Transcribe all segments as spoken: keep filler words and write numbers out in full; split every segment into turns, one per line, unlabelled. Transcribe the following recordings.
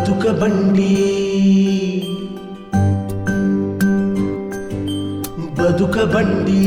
ಬದುಕ ಬಂಡಿ ಬದುಕ ಬಂಡಿ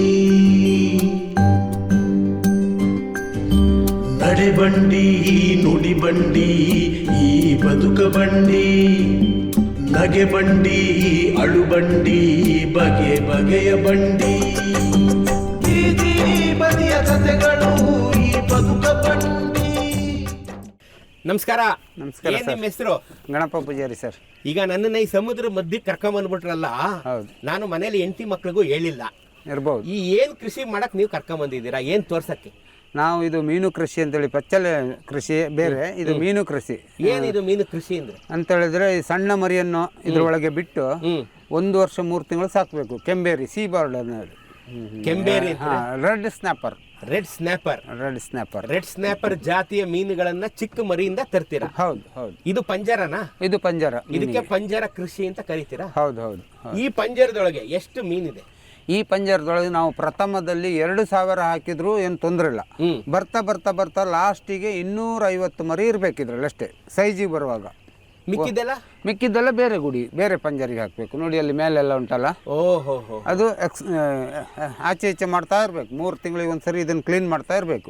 ನಡೆ ಬಂಡಿ ನುಡಿ ಬಂಡಿ ಈ ಬದುಕ ಬಂಡಿ ನಗೆ ಬಂಡಿ ಅಳು ಬಂಡಿ ಬಗೆ ಬಗೆಯ ಬಂಡಿ ಬೀದಿ ಬದಿಯ ಕಥೆಗಳು ಈ ಬದುಕ ಬಂಡಿ.
ನಮಸ್ಕಾರ.
ನಮಸ್ಕಾರ
ಏನ್ ನಿಮ್ಮ ಹೆಸರು?
ಗಣಪ ಪೂಜಾರಿ ಸರ್.
ಈಗ ನನ್ನನ್ನ ಈ ಸಮುದ್ರ ಮಧ್ಯೆ ಕರ್ಕೊಂಡ್ ಬಂದ್ಬಿಟ್ರಲ್ಲ,
ಹೌದು.
ನಾನು ಮನೇಲಿ ಹೆಂಡತಿ ಮಕ್ಳಿಗೂ ಹೇಳಿಲ್ಲ.
ಇರ್ಬೋದು.
ಈ ಏನ್ ಕೃಷಿ ಮಾಡಕ್ ನೀವು ಕರ್ಕೊಂಡ್ ಬಂದಿದ್ದೀರಾ? ಏನ್ ತೋರ್ಸಕ್ಕೆ?
ನಾವು ಇದು ಮೀನು ಕೃಷಿ ಅಂತೇಳಿ, ಪಚ್ಚಲೆ ಕೃಷಿ ಬೇರೆ, ಇದು ಮೀನು ಕೃಷಿ.
ಏನಿದು ಮೀನು ಕೃಷಿ ಅಂದ್ರೆ?
ಅಂತ ಹೇಳಿದ್ರೆ ಈ ಸಣ್ಣ ಮರಿಯನ್ನು ಇದ್ರೊಳಗೆ ಬಿಟ್ಟು
ಹ್ಮ್
ಒಂದು ವರ್ಷ ಮೂರು ತಿಂಗಳು ಸಾಕಬೇಕು. ಕೆಂಬೇರಿ ಸೀ ಬಾರ್ಡರ್
ಕೆಂಬೇರಿ,
red snapper.
Red snapper.
Red snapper
red snapper ಜಾತಿಯ ಮೀನುಗಳನ್ನ ಚಿಕ್ಕ ಮರಿಯಿಂದ ತರ್ತೀರಾ?
ಹೌದು ಹೌದು.
ಇದು ಪಂಜರನಾ?
ಇದು ಪಂಜರ.
ಇದಕ್ಕೆ ಪಂಜರ ಕೃಷಿ ಅಂತ ಕರಿತೀರಾ?
ಹೌದು ಹೌದು.
ಈ ಪಂಜರದೊಳಗೆ ಎಷ್ಟು ಮೀನಿದೆ?
ಈ ಪಂಜರದೊಳಗೆ ನಾವು ಪ್ರಥಮದಲ್ಲಿ ಎರಡು ಸಾವಿರ ಹಾಕಿದ್ರು ಏನು ತೊಂದರೆ ಇಲ್ಲ.
ಹ್ಮ್
ಬರ್ತಾ ಬರ್ತಾ ಬರ್ತಾ ಲಾಸ್ಟಿಗೆ ಇನ್ನೂರ ಐವತ್ತು ಮರಿ ಇರ್ಬೇಕಿದ್ರಲ್ಲಿ ಅಷ್ಟೇ ಸೈಜಿಗೆ ಬರುವಾಗ.
ಮಿಕ್ಕಿದೆಲ್ಲ
ಮಿಕ್ಕಿದ್ದೆಲ್ಲ ಬೇರೆ ಗುಡಿ, ಬೇರೆ ಪಂಜರಿಗೆ ಹಾಕಬೇಕು. ನೋಡಿ ಅಲ್ಲಿ ಮೇಲೆಲ್ಲ ಉಂಟಲ್ಲ,
ಓಹೋ ಹೋ.
ಅದು ಎಕ್ಸ್ ಆಚೆ ಈಚೆ ಮಾಡ್ತಾ ಇರಬೇಕು. ಮೂರು ತಿಂಗಳಿಗೆ ಒಂದು ಸರಿ ಇದನ್ನು ಕ್ಲೀನ್ ಮಾಡ್ತಾ ಇರಬೇಕು.